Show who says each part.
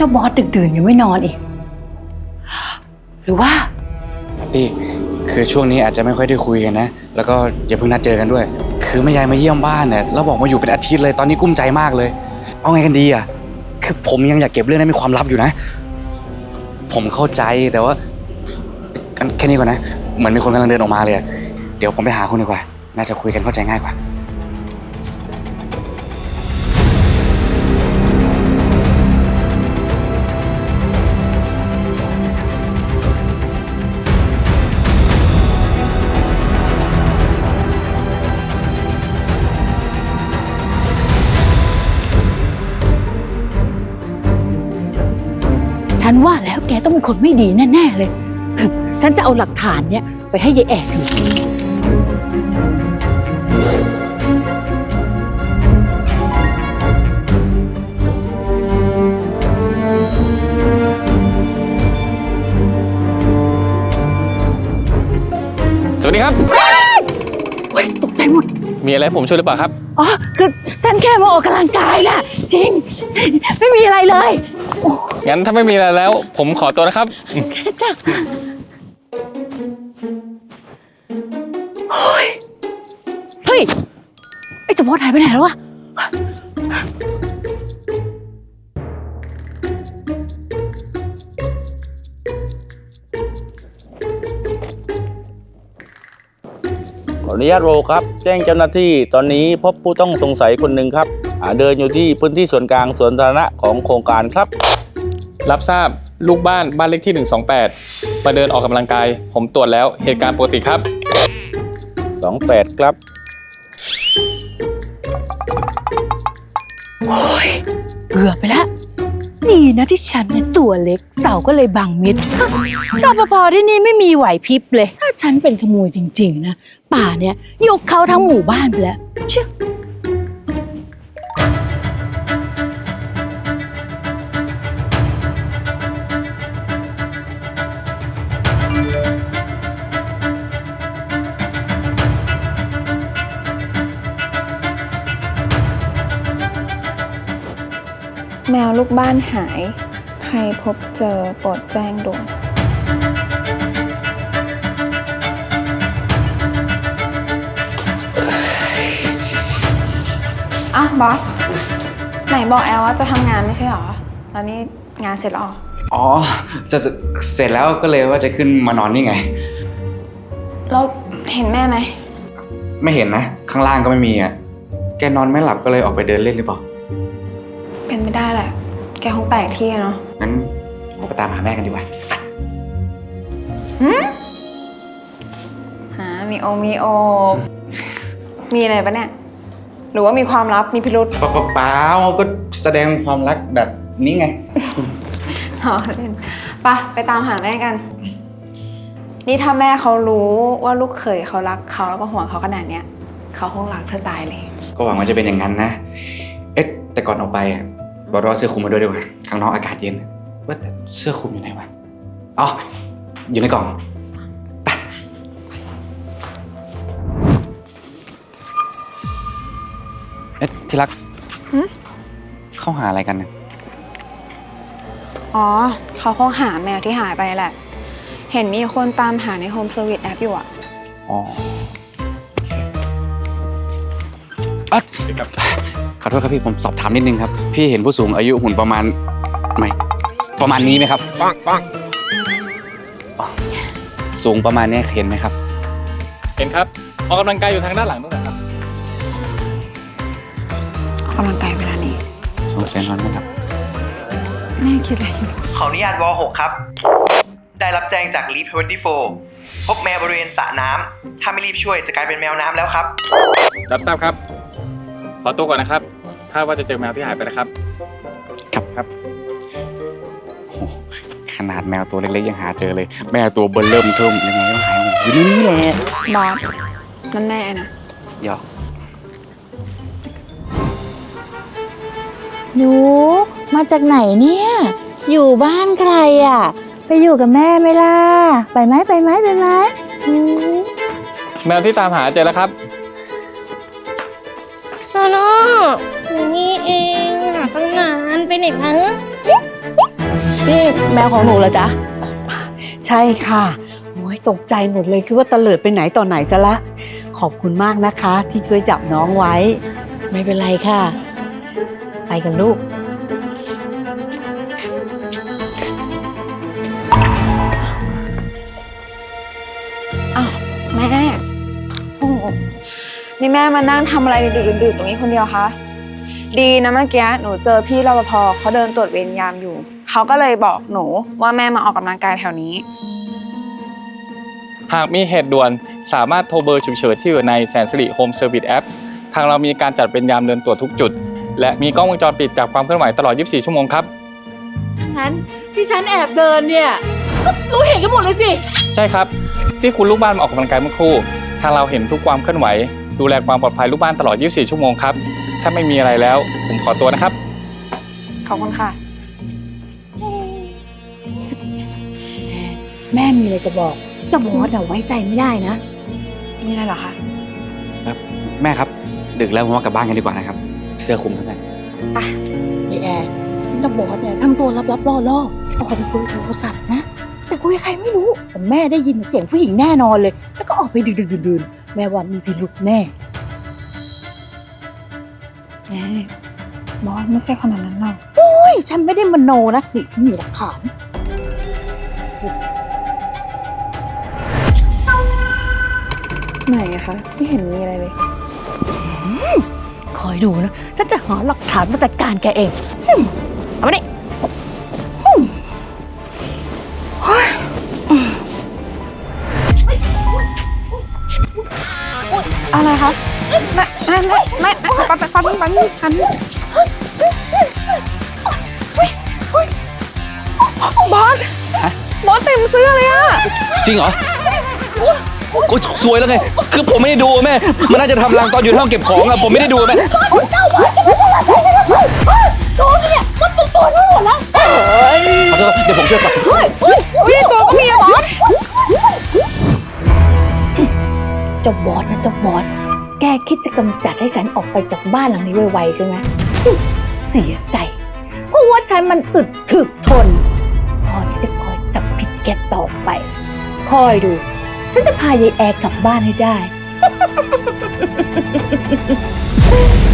Speaker 1: จ้าบอสดึกดื่นยังไม่นอนอีกหรือว่า
Speaker 2: พี่คือช่วงนี้อาจจะไม่ค่อยได้คุยกันนะแล้วก็อย่าเพิ่งนัดเจอกันด้วยคือแม่ยายมาเยี่ยมบ้านเนี่ยแล้วบอกมาอยู่เป็นอาทิตย์เลยตอนนี้กุ้มใจมากเลยเอาไงกันดีอ่ะคือผมยังอยากเก็บเรื่องนั้นเป็นความลับอยู่นะผมเข้าใจแต่ว่าแค่นี้ก่อนนะเหมือนมีคนกำลังเดินออกมาเลยเดี๋ยวผมไปหาคุณดีกว่าน่าจะคุยกันเข้าใจง่ายกว่า
Speaker 1: ฉันว่าแล้วแกต้องเป็นคนไม่ดีแน่ๆเลยฉันจะเอาหลักฐานเนี่ยไปให้ยายแอบดู
Speaker 3: สวัสดีครับ
Speaker 1: โอ๊ยตกใจหมด
Speaker 3: มีอะไรผมช่วยหรือเปล่าครับ
Speaker 1: อ๋อคือฉันแค่มาออกกำลังกายน่ะจริงไม่มีอะไรเลย
Speaker 3: งั้นถ้าไม่มีอะไรแล้วผมขอตัวนะครับ
Speaker 1: จ้ะเฮ้ยไอ้เจ้าบอสหายไปไหนแล้ววะ
Speaker 4: ขออนุญาตโรครับแจ้งเจ้าหน้าที่ตอนนี้พบผู้ต้องสงสัยคนหนึ่งครับเดินอยู่ที่พื้นที่ส่วนกลางสวนสาธารณะของโครงการครับ
Speaker 3: รับทราบลูกบ้านเลขที่128มาเดินออกกำลังกายผมตรวจแล้วเหตุการณ์ปกติครับ
Speaker 4: 28ครับ
Speaker 1: โอ้ยเกือบไปแล้วดีนะที่ฉันเนี่ยตัวเล็กเสาก็เลยบังมิดรปภที่นี่ไม่มีไหวพริบเลยถ้าฉันเป็นขโมยจริงๆนะป่าเนี่ยยกเขาทั้งหมู่บ้านไปแล้วเชื่อ
Speaker 5: แมวลูกบ้านหาย ใครพบเจอโปรดแจ้งด่วนอ้าวบอสไหนบอกแอลว่าจะทำงานไม่ใช่หรอแล้วนี่งานเสร็จแล้ว
Speaker 2: อ๋อจะเสร็จแล้วก็เลยว่าจะขึ้นมานอนนี่ไง
Speaker 5: แล้วเห็นแม่ไหม
Speaker 2: ไม่เห็นนะข้างล่างก็ไม่มีอ่ะแกนอนไม่หลับก็เลยออกไปเดินเล่นหรือเปล่า
Speaker 5: เป็นไม่ได้แหละแกคงแปลกที่เนาะ
Speaker 2: งั้นเราไปตามหาแม่กันดีกว่า
Speaker 5: หามีโอมีอะไรปะเนี่ยหรือว่ามีความลับมีพิรุธ
Speaker 2: เปล่าก็แสดงความรักแบบนี้ไง
Speaker 5: อ๋อเล่นไปตามหาแม่กันนี่ถ้าแม่เขารู้ว่าลูกเขยเขารักเขาแล้วก็ห่วงเขาขนาดเนี้ยเขาคงรักเธอตายเลย
Speaker 2: ก็หวังว่าจะเป็นอย่างนั้นนะแต่ก่อนออกไปบอกว่าเสื้อคลุมมาด้วยดีกว่าข้างนอกอากาศเย็นว่าแต่เสื้อคลุมอยู่ไหนวะอ๋ออยู่ในกล่องไปที่รักเข้าหาอะไรกันนะ
Speaker 5: อ๋อเขาคงหาแมวที่หายไปแหละเห็นมีคนตามหาในโฮมเซอร์วิสแอปอยู่อ่ะ
Speaker 2: อ๋อขอโทษครับพี่ผมสอบถามนิดนึงครับพี่เห็นผู้สูงอายุหุ่นประมาณนี้ไหมครับปังสูงประมาณนี้เห็นไหมครับ
Speaker 3: เห็นครับออกกำลังกายอยู่ทางด้านหลังนู่นนะครับ
Speaker 5: ออกกำลังกายเวลานี้
Speaker 2: สงสัยนอนไหมครับ
Speaker 5: แม่คิดอะไรอยู่
Speaker 6: ขออนุญาตว.6 ครับได้รับแจ้งจากลีฟ24พบแมวบริเวณสระน้ำถ้าไม่รีบช่วยจะกลายเป็นแมวน้ำแล้วครับ
Speaker 3: รับทราบครับขอตัวก่อนนะครับถ้าว่าจะเจอแมวที่หายไปนะครับ
Speaker 2: ครับขนาดแมวตัวเล็กๆยังหาเจอเลยแมวตัวเบิ่มเริ่มเทิมยังไงก็หายอยู่นี่แหละ
Speaker 5: บอสนั่นแม่นะ
Speaker 2: หยอก
Speaker 1: หนูมาจากไหนเนี่ยอยู่บ้านใครอ่ะไปอยู่กับแม่ไหมล่ะไปไหม
Speaker 3: แมวที่ตามหาเจอแล้วครับ
Speaker 7: โนโน่อยู่นี่เองหาตั้งนานไปไหนคะ
Speaker 1: นี่แมวของหนูเหรอจ๊ะ
Speaker 7: ใช่ค่ะโอ้ยตกใจหมดเลยคิดว่าตะเลิดไปไหนต่อไหนซะละ ขอบคุณมากนะคะ ที่ช่วยจับน้องไว้
Speaker 1: ไม่เป็นไรค่ะ
Speaker 7: ไปกันลูก
Speaker 5: อ้าวแม่โอ้โหนี่แม่มานั่งทำอะไรดื่นๆตรงนี้คนเดียวคะดีนะเมื่อกี้หนูเจอพี่รปภเขาเดินตรวจเวรยามอยู่เขาก็เลยบอกหนูว่าแม่มาออกกำลังกายแถวนี้
Speaker 3: หากมีเหตุด่วนสามารถโทรเบอร์ฉุกเฉินที่อยู่ในแสนสิริโฮมเซอร์วิสแอปทางเรามีการจัดเป็นยามเดินตรวจทุกจุด และมีกล้องวงจรปิดจับความเคลื่อนไหวตลอด 24 ชั่วโมงครับ
Speaker 1: งั้นที่ฉันแอบเดินเนี่ยก็รู้เห็นกันหมดเลยสิ
Speaker 3: ใช่ครับ ที่คุณลูกบ้านมาออกกำลังกายเมื่อครู่ ทางเราเห็นทุกความเคลื่อนไหว ดูแลความปลอดภัยลูกบ้านตลอด 24 ชั่วโมงครับ ถ้าไม่มีอะไรแล้ว ผมขอตัวนะครับ
Speaker 5: ขอบคุณค่ะ
Speaker 1: แม่มีอะไรจะบอกเจ้าบอสอะไว้ใจไม่ได้นะ
Speaker 5: นี่อะไรเหรอคะ
Speaker 2: แม่ครับ ดึกแล้วผมว่ากลับบ้านกันดีกว่านะครับ เสื้อคลุมเท่านั้น
Speaker 1: ไอแอร์เจ้าบอสเนี่ยทำตัวลับๆล่อๆออกไปคุยโทรศัพท์นะ แต่คุยกับใครไม่รู้แต่แม่ได้ยินเสียงผู้หญิงแน่นอนเลย แล้วก็ออกไปดื่นๆแม่ว่ามีพิรุธแน่
Speaker 5: แม่บอสไม่ใช่คนแบบนั้นหรอก
Speaker 1: เฮ้ยฉันไม่ได้มโนนะนี่ฉันมีหลักฐาน
Speaker 5: ไหนอะคะไม่เห็นมีอะไรเลย
Speaker 1: คอยดูนะ ฉันจะหาหลักฐานมาจัดการแกเองเอามาดิ
Speaker 5: อะไรคะไม่ปั๊บบอส
Speaker 2: ฮะ
Speaker 5: บอสเต็มเสื้อเลยอะ
Speaker 2: จริงเหรอโอ๊ยสวยแล้วไง คือผมไม่ได้ดูอะแม่ มันน่าจะทำรังตอนอยู่ในห้องเก็บของอะผมไม่ได้ดูอะแม่
Speaker 1: ตัวเนี่ยมันติดตัวฉันหมดแล้ว
Speaker 2: ขอโทษเดี๋ยวผมช่วยปัด
Speaker 5: อุ้ยตัวก็มีอะบอส
Speaker 1: เจ้าบอสนะเจ้าบอส แกคิดจะกำจัดให้ฉันออกไปจากบ้านหลังนี้ไวๆใช่ไหมเสียใจ เพราะว่าฉันมันอึดถึกทน พอที่จะคอยจับผิดแกต่อไป คอยดู ฉันจะพายายแอร์กลับบ้านให้ได้